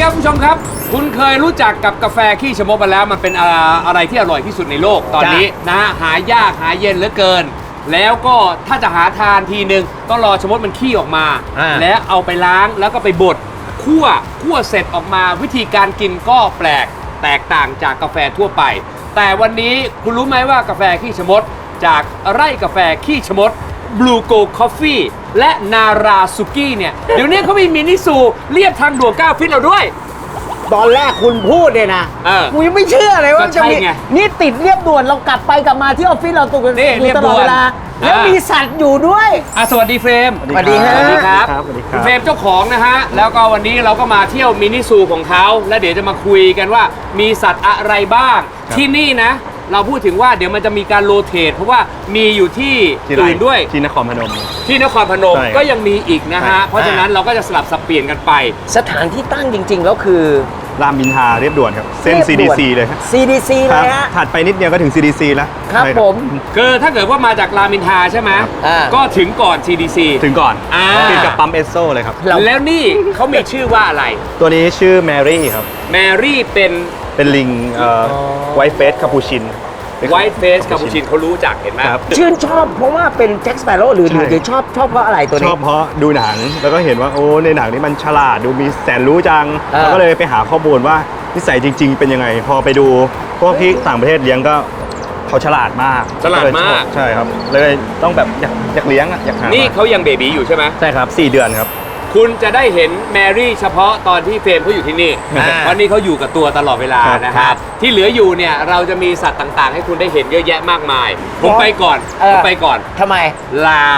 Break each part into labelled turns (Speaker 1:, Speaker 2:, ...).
Speaker 1: ครับคุณผู้ชมครับคุณเคยรู้จักกับกาแฟขี้ชะมดมาแล้วมันเป็นอะไรที่อร่อยที่สุดในโลกตอนนี้นะหายากหาเย็นเหลือเกินแล้วก็ถ้าจะหาทานทีนึงต้องรอชะมดมันขี้ออกมาแล้วเอาไปล้างแล้วก็ไปบดคั่วเสร็จออกมาวิธีการกินก็แปลกแตกต่างจากกาแฟทั่วไปแต่วันนี้คุณรู้ไหมว่ากาแฟขี้ชะมดจากไร่กาแฟขี้ชะมดBlue Go Coffee และนาราสุกี้เนี่ยเดี๋ยวนี้เขามีมินิซูเรียบทางด่วน9 ฟิตเราด้วย
Speaker 2: ตอนแรกคุณพูดเนี่ยนะกูยังไม่เชื่อเลยว่าจะมีนี่ติดเรียบด่วนเรากลับไปกลับมาที่ออฟฟิศเราตุกอยู่ตลอดเวลาแล้วมีสัตว์อยู่ด้วย
Speaker 1: สวัสดีเฟรม
Speaker 2: สวัสดี
Speaker 1: ครับเฟรมเจ้าของนะฮะแล้วก็วันนี้เราก็มาเที่ยวมินิซูของเขาแล้วเดี๋ยวจะมาคุยกันว่ามีสัตว์อะไรบ้างที่นี่นะเราพูดถึงว่าเดี๋ยวมันจะมีการโรเตทเพราะว่ามีอยู่ที่อื่นด้วย
Speaker 3: ที่นครพนม
Speaker 1: ก็ยังมีอีกนะฮะเพราะฉะนั้นเราก็จะสลับสับเปลี่ยนกันไป
Speaker 2: สถานที่ตั้งจริงๆแล้วคือ
Speaker 3: รามอินทราเรียบด่วนครับเส้น CDC เลยครับ
Speaker 2: CDC เลยฮะ
Speaker 3: ถัดไปนิดเดียวก็ถึง CDC แล้ว
Speaker 2: ครับผม
Speaker 1: คือถ้าเกิดว่ามาจากรามอินทราใช่ไหมก็ถึงก่อน CDC
Speaker 3: ถึงก่อนติดกับปั๊มเอสโซเลยครับ
Speaker 1: แล้วนี่เขามีชื่อว่าอะไร
Speaker 3: ตัวนี้ชื่อแมรี่ครับ
Speaker 1: แมรี่
Speaker 3: เป็นลิงไวท์เฟสคาปูชิน
Speaker 1: ไวท์เฟสคาปูชินเขารู้จักเห็นไหม
Speaker 2: ชื่นชอบเพราะว่าเป็นแจ็คสเปโร่หรือชอบเพราะอะไรตัวนี้
Speaker 3: ชอบเพราะดูหนังแล้วก็เห็นว่าโอ้ในหนังนี้มันฉลาดดูมีแสนรู้จังแล้วก็เลยไปหาข้อมูลว่านิสัยจริงๆเป็นยังไงพอไปดูพวกที่ต่างประเทศเลี้ยงก็เขาฉลาดมากใช่ครับเลยต้องแบบอยากเลี้ยงอยากหา
Speaker 1: นี่เขายังเบบีอยู่ใช่ไหม
Speaker 3: ใช่ครับ4 เดือนครับ
Speaker 1: คุณจะได้เห็นแมรี่เฉพาะตอนที่เฟรมเขาอยู่ที่นี่เพราะนี่เขาอยู่กับตัวตลอดเวลานะครับที่เหลืออยู่เนี่ยเราจะมีสัตว์ต่างๆให้คุณได้เห็นเยอะแยะมากมายผมไปก่อน
Speaker 2: ทำไม
Speaker 1: ลา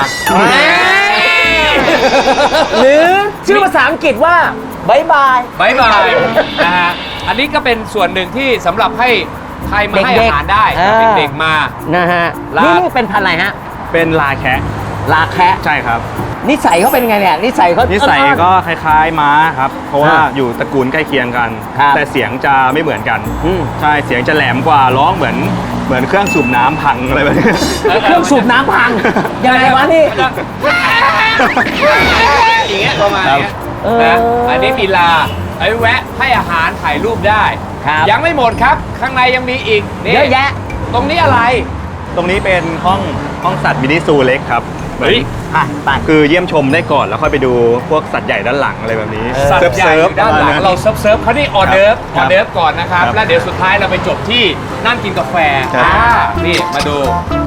Speaker 2: หรือชื่อภาษาอังกฤษว่าบายบาย
Speaker 1: นะฮะอันนี้ก็เป็นส่วนหนึ่งที่สำหรับให้ใครมาให้อาหารได้เด็กๆมา
Speaker 2: นะฮะนี่เป็นพันธุ์อะไรฮะ
Speaker 3: เป็นลาแคะ
Speaker 2: ใช่
Speaker 3: ครับ
Speaker 2: นิสัยเขาเป็นไงเนี่ยนิสัย
Speaker 3: ก็คล้ายๆม้าครับเพราะว่าอยู่ตระกูลใกล้เคียงกันแต่เสียงจะไม่เหมือนกันใช่เสียงจะแหลมกว่าร้องเหมือนเครื่องสูบน้ำพังอะไรแบบนี้
Speaker 2: เครื่องสูบน้ำพังยังไงวะนี่
Speaker 1: อย่างเงี้ยประมาณนี้นะอันนี้มีลาไอ้แวะให้อาหารถ่ายรูปได้ยังไม่หมดครับข้างในยังมีอีก
Speaker 2: เยอะแยะ
Speaker 1: ตรงนี้อะไร
Speaker 3: ตรงนี้เป็นห้องสัตว์มินิซูเล็กครับ
Speaker 2: ไป
Speaker 3: คือเยี่ยมชมได้ก่อนแล้วค่อยไปดูพวกสัตว์ใหญ่ด้านหลังอะไรแบบนี้
Speaker 1: สัตว์ใหญ่ด้านหลังเราเซิร์ฟเขานี่ออเดิร์ฟก่อนนะครับแล้วเดี๋ยวสุดท้ายเราไปจบที่นั่งกินกาแฟนี่มาดู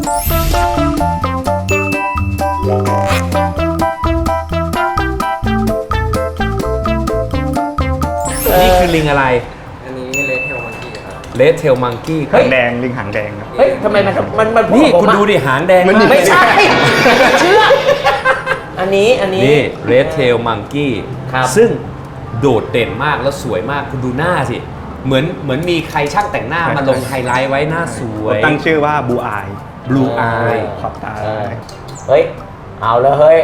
Speaker 1: นี่คือลิงอะไร
Speaker 4: อันนี้เลดเทลมังกี้ครับ
Speaker 1: เลดเทลมังกี้
Speaker 3: หางแดงลิงหางแดงครับ
Speaker 2: เฮ้ยทำไมมัน
Speaker 1: นี่คุณดูดิหางแดง
Speaker 2: ไม่ใช่เชื่ออันนี้
Speaker 1: นี่เลดเทลมังกี้ซึ่งโดดเด่นมากแล้วสวยมากคุณดูหน้าสิเหมือนมีใครช่างแต่งหน้ามาลงไฮไลท์ไว้หน้าสวย
Speaker 3: ตั้งชื่อว่าบลูอาย
Speaker 1: ขอบตา
Speaker 2: เฮ้ยเอาแล้วเฮ้ย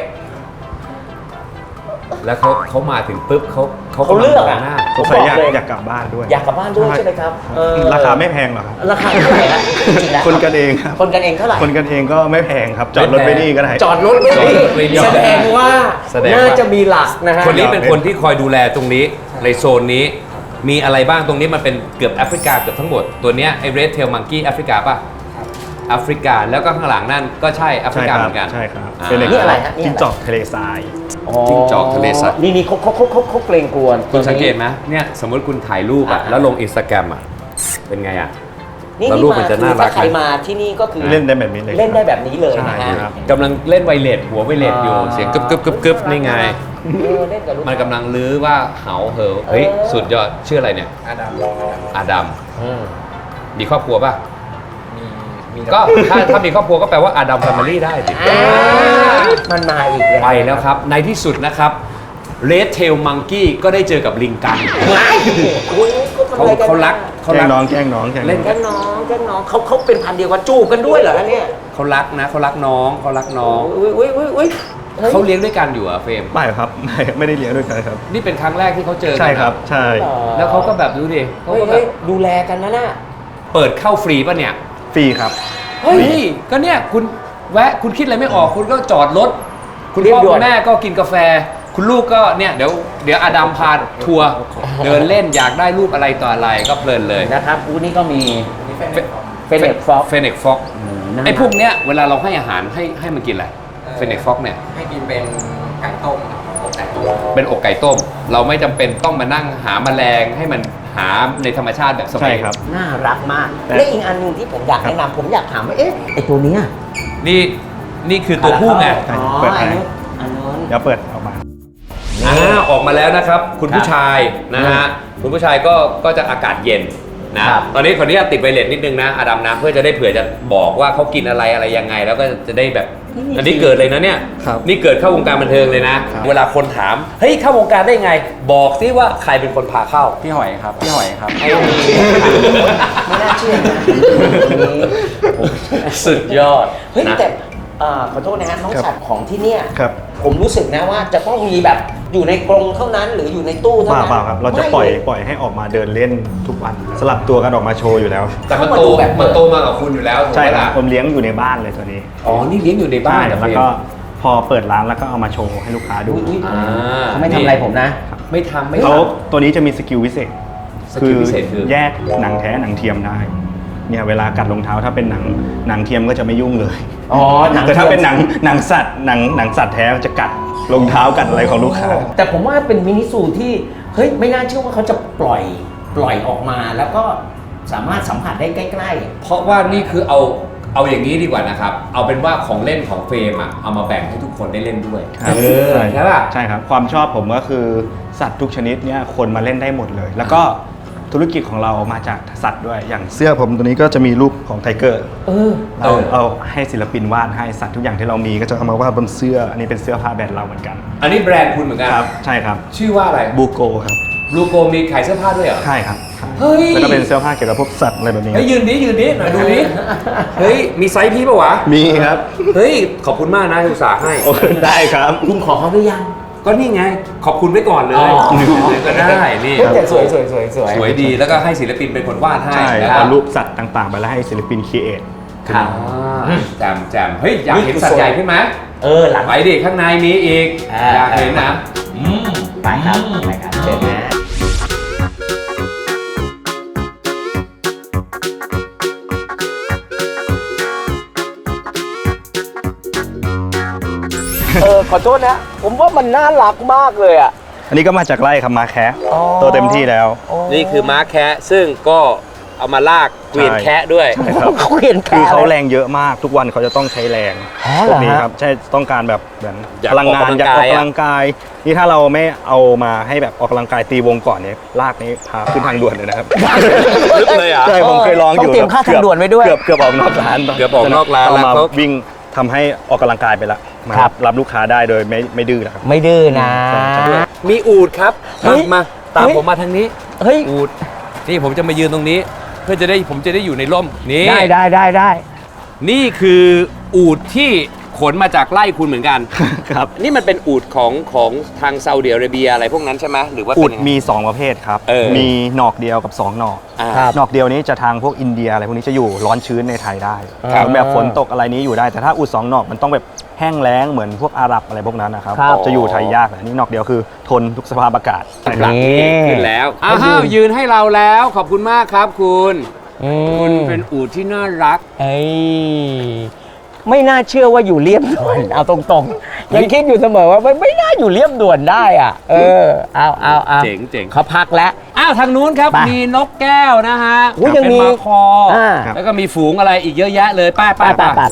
Speaker 1: แล้วเขามาถึงปุ๊บเขา
Speaker 2: เลือกอ่ะ
Speaker 3: สงสัยอยากกลับบ้านด้วย
Speaker 2: ใช่ไหมครับ
Speaker 3: ราคาไม่แพงหรอกครับ
Speaker 2: ราคาเท่าไหร่ฮะจริงๆแล้ว
Speaker 3: คนกันเองครับ
Speaker 2: คนกันเองเท่าไหร่
Speaker 3: คนกันเองก็ไม่แพงครับจอดรถไปนี่ก็ได้
Speaker 2: จอดรถไปนี่แสดงว่าน่าจะมีหลักนะฮะ
Speaker 1: คนนี้เป็นคนที่คอยดูแลตรงนี้ในโซนนี้มีอะไรบ้างตรงนี้มันเป็นเกือบแอฟริกาเกือบทั้งหมดตัวเนี้ยไอ้ Red Tail Monkey แอฟริกาป่ะแอฟริกาแล้วก็ข้างหลังนั่นก็ใช่แอฟริกาเหมือนกัน
Speaker 3: ใช่ครับ
Speaker 2: เป็นอะไรฮะ
Speaker 3: จิ้งจอกทะเลทราย
Speaker 1: จิ้งจอกทะเลทราย
Speaker 2: นี่เขาเกรงกลัว
Speaker 1: คุณสังเกตไหมเนี่ยสมมติคุณถ่ายรูปอ่ะแล้วลง Instagram อ่ะเป็นไงอ่ะ
Speaker 2: แล้วรูปมันจะน่ารักใครมาที่นี่ก็คือ
Speaker 3: เล่นได้แบบนี้เลย
Speaker 2: นะฮะ
Speaker 1: กำลังเล่นไวเลสหัวไวเลสอยู่เสียงกึบนี่ไงมันกำลังลื้อว่าเหาเหอเฮ้ยสุดยอดชื่ออะไรเนี่ยอาดัมมีครอบครัวป่ะก็ถ้ามีครอบครัวก็แปลว่าอาดัมแฟมิลี่ได้สิ
Speaker 2: มันมาอีก
Speaker 1: ไปแล้วครับในที่สุดนะครับเรดเทลมังกี้ก็ได้เจอกับลิงกังเขารัก
Speaker 3: แกล้งน้อง
Speaker 2: เล่นแกล้งน้องเขาเป็นพันธุ์เดียวกันจูบกันด้วยเหรอเนี่ย
Speaker 1: เขารักนะเขารักน้อง
Speaker 2: อุ้ย
Speaker 1: เขาเลี้ยงด้วยกันอยู่อะเฟรม
Speaker 3: ไม่ครับไม่ได้เลี้ยงด้วยกันครับ
Speaker 1: นี่เป็นครั้งแรกที่เขาเจอกัน
Speaker 3: ใช่ครับใช่
Speaker 1: แล้วเขาก็แบบดูดิเขาก็แบบ
Speaker 2: ดูแลกันนะน่ะ
Speaker 1: เปิดเข้าฟรีป่ะเนี่ย
Speaker 3: ฟรีครับ
Speaker 1: เฮ้ยก็เนี่ยคุณแวะคุณคิดอะไรไม่ออกคุณก็จอดรถคุณพ่อคุณแม่ก็กินกาแฟคุณลูกก็เนี่ยเดี๋ยวอดัมพาทัวร์เดินเล่นอยากได้รูปอะไรต่ออะไรก็เพลินเลย
Speaker 2: นะครับอูนี่ก็มีเฟเนกฟ็อก
Speaker 1: เฟเนกฟ็อกไอ้พวกเนี้ยเวลาเราให้อาหารให้มันกินอะไรเฟเนกฟ็อกเนี่ย
Speaker 4: ให้กินเป็นไก่ต้มอกไก่ต้ม
Speaker 1: เป็นอกไก่ต้ม เราไม่จำเป็นต้องมานั่งหาแมลงให้มันหาในธรรมชาติแบบสมั
Speaker 3: ใช่
Speaker 1: ย
Speaker 3: ครับ
Speaker 2: น่ารักมากและอีกอันหนึงที่ผมอยากแนะนำผมอยากถามว่าเอ๊ะไอตัวเนี้ย
Speaker 1: นี่คือตัวผู้ไง
Speaker 3: ใช่
Speaker 2: อ๋อ
Speaker 3: เปิดให้
Speaker 2: อันนู้น
Speaker 3: เดี๋ยวเปิดออกมา
Speaker 1: ออกมาแล้วนะครับ คุณผู้ชายนะฮะคุณผู้ชายก็จะอากาศเย็นนะครับ ตอนนี้ขออนุญาตติดไวเลสนิดนึงนะอดัมนะเพื่อจะได้เผื่อจะบอกว่าเขากินอะไรยังไง แล้วก็จะได้แบบอันนี้เกิดเลยนะเนี่ย
Speaker 3: ครับ
Speaker 1: นี่เกิดเข้าวงการบันเทิงเลยนะ
Speaker 3: ครับ
Speaker 1: เวลาคนถามเฮ้ยเข้าวงการได้ไง บอกซิว่าใครเป็นคนพาเข้า
Speaker 4: พี่หอยครับ พี่หอยครับ
Speaker 2: ไม่น่าเชื่อนะโอ้โห
Speaker 1: สุดยอด
Speaker 2: เฮ้ย
Speaker 1: นะ
Speaker 2: แต่ขอโทษนะฮะน้อง
Speaker 3: ครับ
Speaker 2: สัตว์ของที่เนี่ย
Speaker 3: ครับ
Speaker 2: ผมรู้สึกนะว่าจะต้องมีแบบอยู่ในกรงเท่านั้นหรืออยู่ในตู้เท่านั้น
Speaker 3: เปล่าครับ เราจะ
Speaker 2: ไม่
Speaker 3: ปล่อยให้ออกมาเดินเล่นทุกวัน สลับตัวกันออกมาโชว์อยู่แล้ว
Speaker 1: แต่มัน
Speaker 2: เข้ามา
Speaker 1: โต
Speaker 2: ดูแบบ
Speaker 1: มันโตมากับคุณอยู่แล้วถูก
Speaker 3: ใช่
Speaker 1: ไหม
Speaker 3: ครับ
Speaker 1: ล่ะ
Speaker 3: ผมเลี้ยงอยู่ในบ้านเลยตัวนี้
Speaker 1: อ๋อนี่เลี้ยงอยู่ในบ้านเหรอ
Speaker 3: แล้วก็พอเปิดร้านแล้วก็เอามาโชว์ให้ลูกค้าดู
Speaker 2: อุ๊ย
Speaker 1: อ่า
Speaker 2: เขาไม่ทำอะไรผมนะ
Speaker 1: ไม่ทำไม่
Speaker 3: เขา
Speaker 1: ท
Speaker 3: ตัวนี้จะมีสกิลพิเศษ
Speaker 1: สกิลพิเศษคือ
Speaker 3: แยกหนังแท้หนังเทียมได้ เนี่ยเวลากัดรองเท้าถ้าเป็นหนังเทียมก็จะไม่ยุ่งเลย
Speaker 2: อ๋อหนัง
Speaker 3: แต่ถ้าเป็นหนังสัตว์หนังสัตว์แท้มันจะกัดรองเท้ากัดอะไรของลูกค้า
Speaker 2: แต่ผมว่าเป็นมินิซูที่เฮ้ยไม่น่าเชื่อว่าเขาจะปล่อยออกมาแล้วก็สามารถสัมผัสได้ใกล้
Speaker 1: ำเพราะว่านี่คือเอาอย่างนี้ดีกว่านะครับ เอาเป็นว่าของเล่นของเฟรมอะเอามาแบ่งให้ทุกคนได้เล่นด้วย
Speaker 3: ครับ
Speaker 1: ใช่ป่ะ
Speaker 3: ใช่ครับ ความชอบผมก็คือสัตว์ทุกชนิดเนี่ยคนมาเล่นได้หมดเลย แล้วก็ธุรกิจของเรามาจากสัตว์ด้วย อย่างเสื้อผมตัวนี้ก็จะมีรูปของไทเกอร์
Speaker 2: ๆ
Speaker 3: เอาให้ศิลปินวาดให้สัตว์ทุกอย่างที่เรามีก็จะเอามาวาดบนเสื้อ อันนี้เป็นเสื้อผ้าแบรนด์เราเหมือนกัน
Speaker 1: อันนี้แบรนด์คุณเหมือนกัน
Speaker 3: ครับ ใช่ครับ
Speaker 1: ชื่อว่าอะไร
Speaker 3: บูโกครับ
Speaker 1: ลูโกมีขายเสื้อผ้าด้วยเหรอ
Speaker 3: ใช่ครับ
Speaker 1: เฮ้ย
Speaker 3: แล้วก็เป็นเสื้อผ้าเกี่ยวกับพวกสัตว์อะไรแบบนี้
Speaker 1: เฮ้ยยืนดิหน่อยดูดิเฮ้ยมีไซส์พี่ปะวะ
Speaker 3: มีครับ
Speaker 1: เฮ้ยขอบคุณมากนะที่อุตส่าห์ให้
Speaker 3: โอเคได้ครับ
Speaker 2: คุณขอเขาหรือยัง
Speaker 1: ก็นี่ไงขอบคุณไว้ก่อนเลย
Speaker 2: อ๋อ
Speaker 1: ก็ได้นี่
Speaker 2: เฮ้ยแต่สวย
Speaker 1: สวยดีแล้วก็ให้ศิลปินเป็นคนวาดให้
Speaker 3: ใช่
Speaker 1: นะ
Speaker 3: เอารูปสัตว์ต่างๆ ไปแล้วให้ศิลปินครีเอท
Speaker 2: ครับ
Speaker 1: แจมเฮ้ยอยากเห็นสัตว์ใหญ่ขึ้นไหม
Speaker 2: หลัง
Speaker 1: ไปดิข้างในมีอีก อยากเห็นนะ
Speaker 2: ไปครับเชิญนะขอโทษนะ ผมว่ามันน่ารักมากเลยอ่ะ
Speaker 3: อันนี้ก็มาจากไร่ครับมาแคะ
Speaker 2: อ๋อ
Speaker 3: โตเต็มที่แล้ว
Speaker 1: นี่คือม้าแคะซึ่งก็เอามาลากเกวียนแคะด้วย
Speaker 3: ใช่ครับ
Speaker 2: เขาเห็น
Speaker 3: คือเขาแรงเยอะมากทุกวันเขาจะต้องใช้แรง
Speaker 2: อ๋อ
Speaker 3: พ
Speaker 2: เหร
Speaker 3: ว
Speaker 2: อก
Speaker 3: นี้
Speaker 2: ฮะ
Speaker 3: ครับใช่ต้องการแบบเหมือน
Speaker 1: อยาก
Speaker 3: พลังงาน
Speaker 1: ออกกำลัง
Speaker 3: อยากออก
Speaker 1: กายอะ
Speaker 3: กำลังกายนี่ถ้าเราไม่เอามาให้แบบออกกำลังกายตีวงก่อนเนี่ยลากนี้พาขึ้นทางด่วนเลยนะครับ
Speaker 1: ลึกเลยเหรอ
Speaker 3: ใช่ผมเคยลองอยู่
Speaker 2: ต้องเตรียมค่าทางด่วนไว้ด้วย
Speaker 3: เกือบออกนอกร้าน
Speaker 1: เกือบออกนอกร้าน
Speaker 3: เอ
Speaker 1: แล้ว
Speaker 3: มา
Speaker 1: เขา
Speaker 3: วิ่งทำให้ออกกำลังกายไปละมา
Speaker 2: ครับ
Speaker 3: รับลูกค้าได้โดยไม่ดื้อนะครับ
Speaker 2: ไม่ดื้อนะ
Speaker 3: ใช่
Speaker 1: มีอูดครับ
Speaker 2: เฮ้ย
Speaker 1: มาตาม
Speaker 2: เฮ้ย
Speaker 1: ผมมาทางนี้
Speaker 2: เฮ้ย
Speaker 1: อูดนี่ผมจะมายืนตรงนี้ เพื่อผมจะได้อยู่ในร่มนี่
Speaker 2: ได้
Speaker 1: นี่คืออูดที่ขนมาจากไร่คุณเหมือนกัน
Speaker 3: ครับ
Speaker 1: นี่มันเป็นอูดของทางซาอุดิอาระเบียอะไรพวกนั้นใช่ไหมหรือว่า
Speaker 3: อุ
Speaker 1: เป็น
Speaker 3: ด
Speaker 1: ยังไง
Speaker 3: มี 2 ประเภทครับ
Speaker 1: เออ
Speaker 3: มีหนอกเดียวกับ 2 หนอก
Speaker 1: อ่า
Speaker 2: ครับ
Speaker 3: หนอกเดียวนี้จะทางพวกอินเดียอะไรพวกนี้จะอยู่ร้อนชื้นในไทยได้
Speaker 2: ครับ
Speaker 3: แบบฝนตกอะไรนี้อยู่ได้ แต่ถ้าอุด 2 หนอกมันต้องแบบแห้งแล้งเหมือนพวกอาหรับอะไรพวกนั้นนะครับ
Speaker 2: ครับ
Speaker 3: จะอยู่ไทยยากแต่อันนี้หนอกเดียวคือทนทุกสภาพอากาศใช่ค
Speaker 1: ห
Speaker 3: รั
Speaker 1: ลั
Speaker 3: บ
Speaker 1: ง
Speaker 2: นี่
Speaker 1: ขึ้นแล้ว
Speaker 2: เขายืน
Speaker 1: อ้าวยืนให้เราแล้วขอบคุณมากครับคุณ
Speaker 2: อื
Speaker 1: คุณ
Speaker 2: ม
Speaker 1: เป็นอูดที่น่ารัก
Speaker 2: เอ้ยไม่น่าเชื่อว่าอยู่เรียบด่วน เอาตรงๆ ยังคิดอยู่เสมอว่าไม่น่าอยู่เรียบด่วนได้อ่ะ เอา
Speaker 1: เจ๋ง
Speaker 2: เขาพักแล้ว
Speaker 1: อ้าวทางนู้นครับ
Speaker 2: ไป
Speaker 1: มีนกแก้วนะฮะ
Speaker 2: อุ๊ยยังมี
Speaker 1: เป็นมาคอ
Speaker 3: ครับ
Speaker 1: แล้วก็มีฝูงอะไรอีกเยอะแยะเลยป้า
Speaker 2: ไป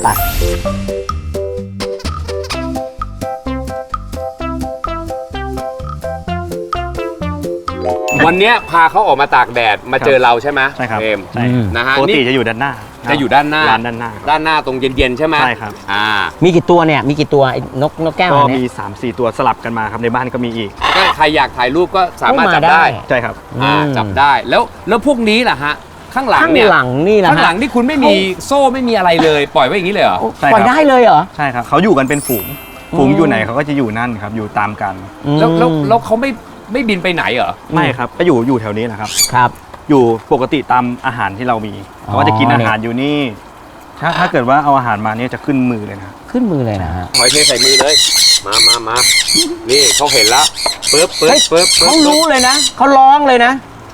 Speaker 1: วันเนี้ยพาเขาออกมาตากแดดมาเจอเราใช่ไหม
Speaker 3: ใช่ครับ
Speaker 1: เอม
Speaker 3: ใช่
Speaker 1: นะฮะ
Speaker 3: ปกติ
Speaker 1: นี่
Speaker 3: จะอยู่ด้านหน้า
Speaker 1: จะอยู่ด้านหน้า
Speaker 3: ร้านด้านหน้าครับ
Speaker 1: ด้านหน้าตรงเย็นๆใช่ไหม
Speaker 3: ใช่ครับ
Speaker 2: มีกี่ตัวเนี่ย มีกี่ตัวไอ้นกแก้ว
Speaker 3: ก็
Speaker 2: อัน
Speaker 3: มี
Speaker 2: เนี้ย
Speaker 3: 3-4 ตัวสลับกันมาครับในบ้านก็มีอีก
Speaker 1: ก็ใครอยากถ่ายรูปก็สามารถจับได้
Speaker 3: ใช่ครับ
Speaker 1: จับได้แล้วพวกนี้ล่ะฮะข้างหลัง
Speaker 2: ข้าง
Speaker 1: เนี่ย
Speaker 2: หลังนี่แหละ
Speaker 1: ข้างหลังนี่คุณไม่มีโซ่ไม่มีอะไรเลย ปล่อยไว้อย่างนี้เลยเหรอ
Speaker 3: ใช่ครับ
Speaker 2: ปล่อยได้เลยเหรอ
Speaker 3: ใช่ครับเขาอยู่กันเป็นฝูง ฝูงอยู่ไหนเขาก็จะอยู่นั่นครับ อยู่ตามกัน
Speaker 1: แล้วเขาไม่บินไปไหนเหรอ
Speaker 3: ไม่ครับก็อยู่แถวนี้แหละครับ
Speaker 2: ครับ
Speaker 3: อยู่ปกติตามอาหารที่เรามีเขาก็จะกินอาหารอยู่นี่ถ้าเกิดว่าเอาอาหารมาเนี่ยจะขึ้นมือเลยนะ
Speaker 2: ขึ้นมือเลยนะฮะ
Speaker 1: หอยเทใส่มือเลย มานี่เขาเห็นแล้วปึ๊บ
Speaker 2: เขารู้เลยนะเขาร้องเลยนะ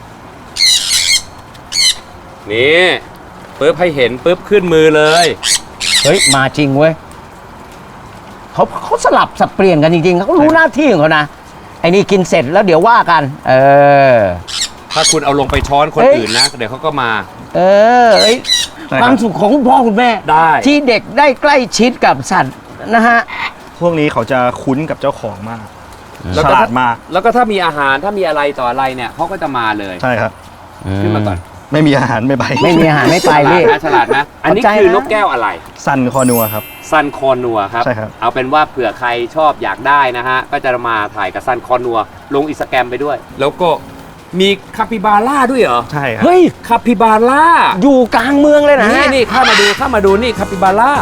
Speaker 1: นี่ปึ๊บให้เห็นปึ๊บขึ้นมือเลย
Speaker 2: เฮ้ยมาจริงเว้ยเขาสลับสับเปลี่ยนกันจริงๆเขารู้หน้าที่ของเขานะไอ้นี่กินเสร็จแล้วเดี๋ยวว่ากัน
Speaker 1: ถ้าคุณเอาลงไปช้อนคนอื่นนะ เดี๋ยวเขาก็มา
Speaker 2: เอ้ย
Speaker 3: ใช่ครับ
Speaker 2: ความสุขของคุณพ่อคุณแม่
Speaker 1: ได้
Speaker 2: ที่เด็กได้ใกล้ชิดกับสัตว์นะฮะ
Speaker 3: พวกนี้เขาจะคุ้นกับเจ้าของมาก
Speaker 1: แล้ว
Speaker 3: ฉ
Speaker 1: ก็
Speaker 3: ลาดมาก
Speaker 1: แล้วก็ถ้ามีอาหารถ้ามีอะไรต่ออะไรเนี่ยเขาก็จะมาเลย
Speaker 3: ใช่ครับ
Speaker 1: ขึ้นมาก่อน
Speaker 3: ไม่มีอาหารไม่ไป
Speaker 2: ไม่มีอาหารไม่ไปพี่
Speaker 1: ฉลาดนะอันนี้
Speaker 2: เข้าใจ
Speaker 1: คือ
Speaker 2: นะ
Speaker 1: นกแก้วอะไร
Speaker 3: ซันคอนัวครับ
Speaker 1: ซันคอนัวครับ
Speaker 3: ใช่ครับ
Speaker 1: เอาเป็นว่าเผื่อใครชอบอยากได้นะฮะ ก็จะมาถ่ายกับซันคอนัวลงอินสตาแกรมไปด้วย แล้วก็มีคาปิบาร่าด้วยเหรอ
Speaker 3: ใช่ครับ
Speaker 2: เฮ้ย
Speaker 1: คาปิบาร่า
Speaker 2: อยู่กลางเมืองเลยนะ
Speaker 1: นี่เข้ามาดูนี่คาปิบาร่า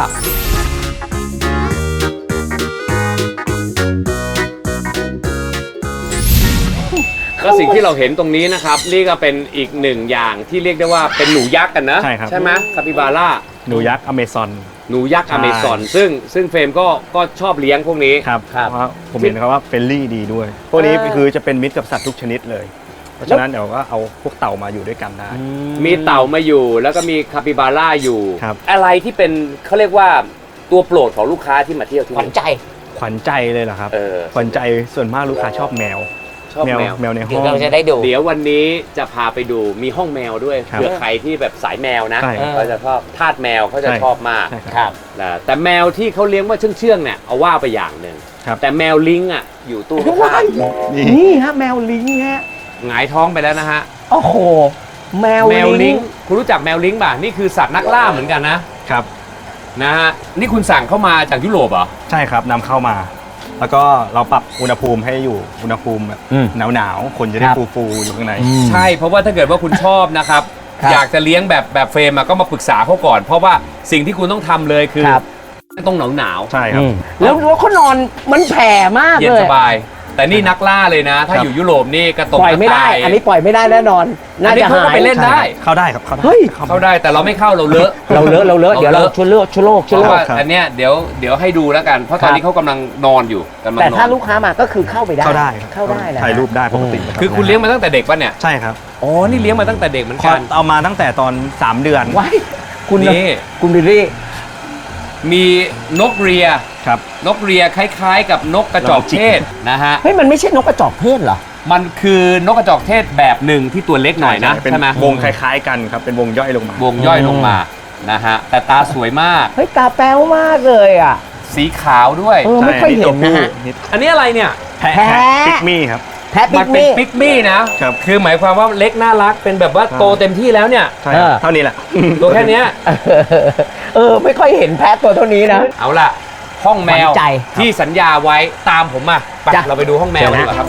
Speaker 1: ก็สิ่งที่เราเห็นตรงนี้นะครับ นี่ก็เป็นอีกหนึ่งอย่างที่เรียกได้ว่าเป็นหนูยักษ์กันนะ
Speaker 3: ใช่ครับ
Speaker 1: ใช่ไหมคาปิบาร่า
Speaker 3: หนูยักษ์อเมซอน
Speaker 1: หนูยักษ์
Speaker 3: ใช่
Speaker 1: อเมซอนซึ่งเฟรมก็ชอบเลี้ยงพวกนี้
Speaker 3: ครับเพราะผมเห็นเขาว่าเฟรนลี่ดีด้วย พวกนี้คือจะเป็นมิตรกับสัตว์ทุกชนิดเลย เพราะฉะนั้นเดี๋ยวก็เอาพวกเต่ามาอยู่ด้วยกันได้
Speaker 1: มีเต่ามาอยู่แล้วก็มีคาปิบาร่าอยู่
Speaker 3: ครับ
Speaker 1: อะไรที่เป็นเขาเรียกว่าตัวโปรดของลูกค้าที่มาเที่ยวที่
Speaker 2: ขวัญ
Speaker 1: นี่
Speaker 2: ใจ
Speaker 3: ขวัญใจเลยเหรอครับ
Speaker 1: เออ
Speaker 3: ขวัญใจส่วนมากลูกค้าชอบแมว
Speaker 1: ชอบแมว
Speaker 3: แมวในห้
Speaker 2: เดี๋ย
Speaker 3: อ
Speaker 2: ว
Speaker 3: ง
Speaker 2: เราจะได้ดู
Speaker 1: เดี๋ยววันนี้จะพาไปดูมีห้องแมวด้วย
Speaker 3: ครับ
Speaker 1: เผื่อใครที่แบบสายแมวนะ
Speaker 3: ใช่
Speaker 1: เขาจะชอบทาสแมวเขาจะ
Speaker 3: ใช่
Speaker 1: ชอบมาก
Speaker 3: ใช่ครับ
Speaker 2: ครับ
Speaker 1: นะแต่แมวที่เขาเลี้ยงว่าเชื่องๆเนี่ยเอาว่าไปอย่างหนึ่ง
Speaker 3: ครับ
Speaker 1: แต่แมวลิงอ่ะอยู่ตู้ข้าง
Speaker 3: นี่
Speaker 2: นี่ฮะแมวลิงฮะ
Speaker 1: ๆหงายท้องไปแล้วนะฮะ
Speaker 2: โอ้โห แมว
Speaker 1: แมวลิ
Speaker 2: ลิ
Speaker 1: ง
Speaker 2: ง
Speaker 1: คุณรู้จักแมวลิงป่ะนี่คือสัตว์นักล่าเหมือนกันนะครับ นะฮะนี่คุณสั่งเข้ามาจากยุโรปเหรอ
Speaker 3: ใช่ครับนำเข้ามา แล้วก็เราปรับอุณหภูมิให้อยู่อุณหภูมิแบบ
Speaker 2: อืม
Speaker 3: หนาวๆคนจะได้
Speaker 2: ครับ
Speaker 3: ฟูๆอยู่ข้างใน
Speaker 1: ใช่เพราะว่าถ้าเกิดว่าคุณชอบนะครับ
Speaker 2: ครับ
Speaker 1: อยากจะเลี้ยงแบบเฟรมอะก็มาปรึกษาเขาก่อน เพราะว่าสิ่งที่คุณต้องทำเลยคือ
Speaker 2: ครับ
Speaker 1: ต้องหนาว
Speaker 3: ใช่ครับ
Speaker 2: แล้วเขานอนมันแผ่มาก
Speaker 1: เย็น
Speaker 2: เลย
Speaker 1: สบาย แต่นี่นักล่าเลยนะ ถ้า
Speaker 3: ครับ
Speaker 1: อยู่ยุโรปนี่กระตก
Speaker 2: ปล่อยไม่ได้
Speaker 1: กระต่าย
Speaker 2: อันนี้ปล่อยไม่ได้แน่นอน
Speaker 1: อั
Speaker 2: น่าน
Speaker 1: นี้
Speaker 2: จะ
Speaker 1: เขาก็
Speaker 2: หาย
Speaker 1: ไปเล่นได้
Speaker 3: เข้าได้ครับเข้าได้
Speaker 2: เฮ้ย
Speaker 1: เข้าได้แต่เราไม่เข้าเราเลอะ
Speaker 2: เราเลอะเดี๋ยวเรา
Speaker 1: เราเลอะ
Speaker 2: ชั่วโลก
Speaker 1: เพ
Speaker 2: ชั่วโล
Speaker 1: ราะ
Speaker 2: ก
Speaker 1: ว่า
Speaker 3: ครับ
Speaker 1: อันเนี้ยเดี๋ยวให้ดูแล้วกัน เพราะตอนนี้เขากำลังนอนอยู่กำลัง
Speaker 2: แต่
Speaker 1: นอ
Speaker 2: ถ้าน ลูกค้ามาก็คือเข้าไปได้
Speaker 3: เข้าได้ครับ
Speaker 2: เข้าได้นะ
Speaker 3: ถ่ายรูปได้ปกติรับ
Speaker 1: คือคุณเลี้ยงมาตั้งแต่เด็กป่ะเนี่ย
Speaker 3: ใช่ครับ
Speaker 1: อ๋อนี่เลี้ยงมาตั้งแต่เด็กเหมือน
Speaker 3: ขอ
Speaker 1: กัน
Speaker 3: เอามาตั้งแต่ตอน 3 เดือน
Speaker 2: ไว้คุณ
Speaker 1: นี่
Speaker 2: คุณบิลลี่
Speaker 1: มีนกเรีย
Speaker 3: ครับ
Speaker 1: นกเรียคล้ายๆ กับนกกระจอกเทศนะฮะ
Speaker 2: เฮ้ยมันไม่ใช่นกกระจอกเทศเหรอ
Speaker 1: มันคือนกกระจอกเทศแบบหนึ่งที่ตัวเล็กหน่อยนะ
Speaker 3: เป็น
Speaker 1: ใช่ไหม
Speaker 3: วงคล้ายๆกันครับ เป็นวงย่อยลงมา
Speaker 1: วงย่อยลงมานะฮะแต่ตาสวยมาก
Speaker 2: เฮ้ยตาแป๊วมากเลยอ่ะ
Speaker 1: สีขาวด้วย
Speaker 2: เออไม่ค่อยเห็นนะฮะ
Speaker 3: นิด
Speaker 1: อันนี้อะไรเนี่ย
Speaker 3: แพะ
Speaker 2: แพะ
Speaker 3: ปิกมี่ครับ
Speaker 2: แพะปิ
Speaker 1: มัน
Speaker 2: ก
Speaker 1: เป็น
Speaker 2: มี่
Speaker 1: ปิกมี่นะครับ คือหมายความว่าเล็กน่ารักเป็นแบบว่า
Speaker 3: ครับ
Speaker 1: โตเต็มที่แล้วเนี่ย
Speaker 3: ใช่ครับ
Speaker 2: เออ
Speaker 3: เท่านี้แหละ
Speaker 1: ตัวแค่เนี้ย
Speaker 2: ไม่ค่อยเห็นแพะตัวเท่านี้นะ
Speaker 1: เอาล่ะ ห้องแมว
Speaker 2: หวานใจ
Speaker 1: ที่สัญญาไว้ตามผมมาไป
Speaker 2: จ้ะ
Speaker 1: เราไปดูห้องแมว
Speaker 2: เชิญ
Speaker 1: ดี
Speaker 2: นะ
Speaker 1: กว่าครับ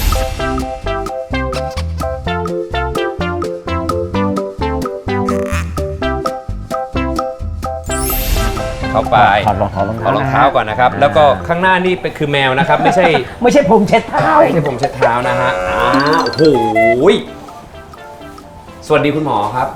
Speaker 1: เข้าไป
Speaker 2: ถอดรองเท้า
Speaker 1: เอารองเท้าก่อนนะครับ แล้วก็ข้างหน้านี่เป็นคือแมวนะครับ ไม่ใช่
Speaker 2: ไม่ใช่ผมเช็ดเท้า
Speaker 1: ไม่ใช่ผมเช็ดเท้านะฮะโอ้โหยสวัสดีคุณหมอครับ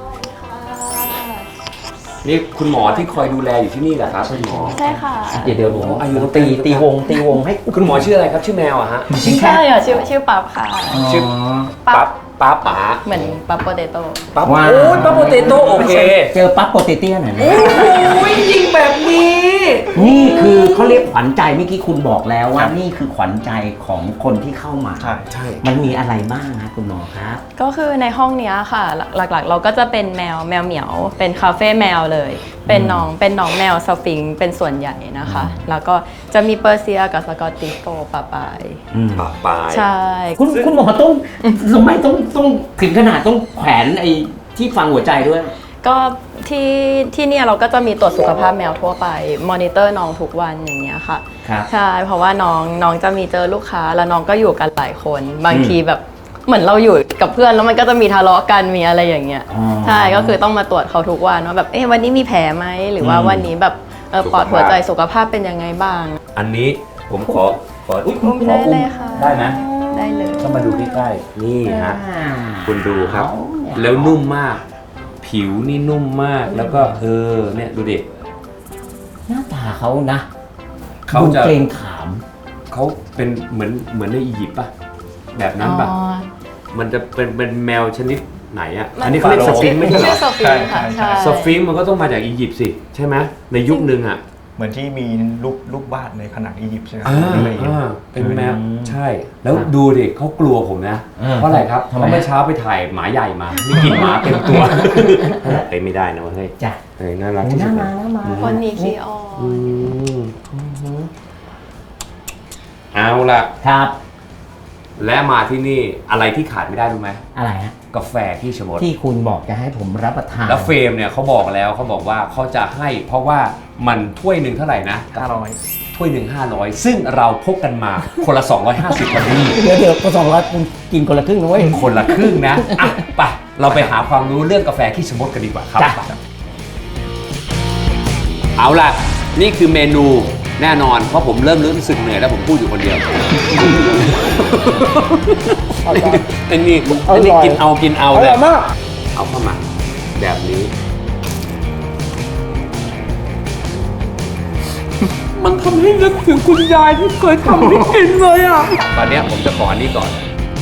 Speaker 1: นี่คุณหมอที่คอยดูแลอยู่ที่นี่เหรอครับคุณหมอ
Speaker 5: ใช่ค่ะ
Speaker 2: เดี๋ยวหนู
Speaker 1: อายุ
Speaker 2: ตีวงให้
Speaker 1: คุณหมอชื่ออะไรครับ ชื่อแมวอะฮะ
Speaker 5: ใช่ค่ะชื่อปั๊บค่ะ
Speaker 1: ชื่อ
Speaker 5: ปั๊บ
Speaker 1: ปั๊บป๋า
Speaker 5: เหมือนปั๊บโปเตโต้
Speaker 1: ปั๊บโอ้ยปั๊บโปเตโต้โอเค
Speaker 2: เจอปั๊บโปเตเตี้ยหน่อยนะ
Speaker 1: โอ้ยยิงแบบนี้
Speaker 2: นี่คือเขาเรียกขวัญใจเมื่อกี้คุณบอกแล้วว่านี่คือขวัญใจของคนที่เข้ามา
Speaker 3: ใช่
Speaker 1: ใช่
Speaker 2: มันมีอะไรบ้างนะคุณหมอครับ
Speaker 5: ก็คือในห้องเนี้ยค่ะ หลักๆ เราก็จะเป็นแมวเหมียว เป็นคาเฟ่แมวเลย เป็นน้องแมวสฟิงค์เป็นส่วนใหญ่นะคะ แล้วก็จะมีเปอร์เซียกับสกอตติชโฟล์ปะปาย
Speaker 1: ป๋าปาย
Speaker 5: ใช่
Speaker 2: คุณหมอต้องทำไมต้องถึงขนาดต้องแขวนไอ้ที่ฟังหัวใจด้วย
Speaker 5: ก็ที่เนี่ยเราก็จะมีตรวจสุขภาพแมวทั่วไปมอนิเตอร์น้องทุกวันอย่างเงี้ยค่ะ
Speaker 2: ครับ
Speaker 5: ใช่เพราะว่าน้องจะมีเจอลูกค้าแล้วน้องก็อยู่กันหลายคนบางทีแบบเหมือนเราอยู่กับเพื่อนแล้วมันก็จะมีทะเลาะกันมีอะไรอย่างเงี้ย
Speaker 2: อ๋อ
Speaker 5: ใช่ก็คือต้องมาตรวจเขาทุกวันว่าแบบวันนี้มีแผลไหมหรือว่าวันนี้แบบปอดหัวใจสุขภาพเป็นยังไงบ้าง
Speaker 1: อันนี้ผมขออุ๊ย
Speaker 5: อุ้มได้เลยค่ะ
Speaker 1: ได้ไหม
Speaker 5: ได้เลย
Speaker 1: ต้องมาดูใกล้ๆนี่ฮะ คุณดูครับ
Speaker 2: เอาเนี่ย
Speaker 1: แล้วนุ่มมาก ผิผิวนี่นุ่มมากแล้วก็เนี่ยดูดิ
Speaker 2: หน้าตาเขานะ
Speaker 1: เขา
Speaker 2: ดู
Speaker 1: จะ
Speaker 2: เกรงขาม
Speaker 1: เขาเป็นเหมือนในอียิปต์ป่ะแบบนั้นป่ะ
Speaker 5: อ๋อ
Speaker 1: มันจะเป็นแมวชนิดไหนอ่ะ
Speaker 5: มัน
Speaker 1: อันนี้เขาเรียกสฟิงค์ไม่ใช่เหร
Speaker 5: ชื่
Speaker 1: อ
Speaker 5: อสฟิงค์ค่ะใช่
Speaker 1: สฟิงค์มันก็ต้องมาจากอียิปต์สิใช่ไหมในยุคนึงอ่ะ
Speaker 3: เหมือนที่มีรูปวาดในผนังอียิปต์ใช่ไหม
Speaker 1: เป็นแมวใช่ แล้วดูดิเขากลัวผมนะ เพราะอะไรครับ
Speaker 2: ทำไม
Speaker 1: เพราะเมื่อเช้าไปถ่ายหมาใหญ่มานี่กินหมาเต็มตัวเฮ้ยไม่ได้นะเว้ย
Speaker 2: จ้ะ
Speaker 1: เฮ้ยน่ารัก
Speaker 2: โอ้
Speaker 1: ที่
Speaker 2: ห
Speaker 1: สุ
Speaker 2: น้า
Speaker 1: ด
Speaker 2: มาหน้ามา
Speaker 5: คนนี้ขี้อ้อน
Speaker 1: อืมเอาล่ะ
Speaker 2: ครับ
Speaker 1: และมาที่นี่อะไรที่ขาดไม่ได้รู้ไหม
Speaker 2: อะไรฮะ
Speaker 1: กาแฟขี้ชะมด
Speaker 2: ที่คุณบอกจะให้ผมรับประทาน
Speaker 1: แล้วเฟรมเนี่ยเขาบอกแล้วเขาบอกว่าเขาจะให้เพราะว่ามันถ้วยหนึ่งเท่าไหร่นะ
Speaker 3: 500
Speaker 1: ถ้วยหนึ่ง500 ซึ่งเราพกกันมาคนละ 250วันนี้
Speaker 2: เดี๋ยวก็200คุณกินคนละครึ่งนะเว้ย
Speaker 1: คนละครึ่งนะอ่ะไปเราไปหาความรู้เรื่องกาแฟขี้ชะมดกันดีกว่าครับ
Speaker 2: จ้ะ
Speaker 1: ไปเอาล่ะ นี่คือเมนูแน่นอนเพราะผมเริ่มรู้สึกเหนื่อยแล้วผมพูดอยู่คนเดียวอันนี้กินเอาเลยเอาเข้ามาแบบนี้ มันทำให้นึกถึงคุณยายที่เคยทำให้กินเลยอ่ะ ตอนเนี้ยผมจะขออันนี้ก่อน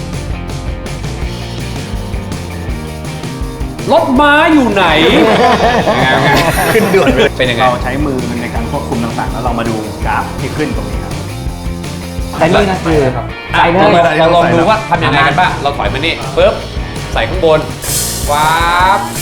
Speaker 1: รถม้าอยู่ไหน
Speaker 3: ขึ้นด่วนเลย
Speaker 1: เป็นยังไง
Speaker 3: เราใช้มือในการควบคุมต่างๆ แล้วเรามาดูกราฟที่ขึ้นตรงนี้ครับ
Speaker 2: แต่นี่ก็คือ
Speaker 1: อ่ะ
Speaker 2: ใส่เลย
Speaker 1: เราลองดูว่าทำยังไงกันบ้าง เราถอยมานี่ปึ๊บ ใส่ข้างบนว้าบ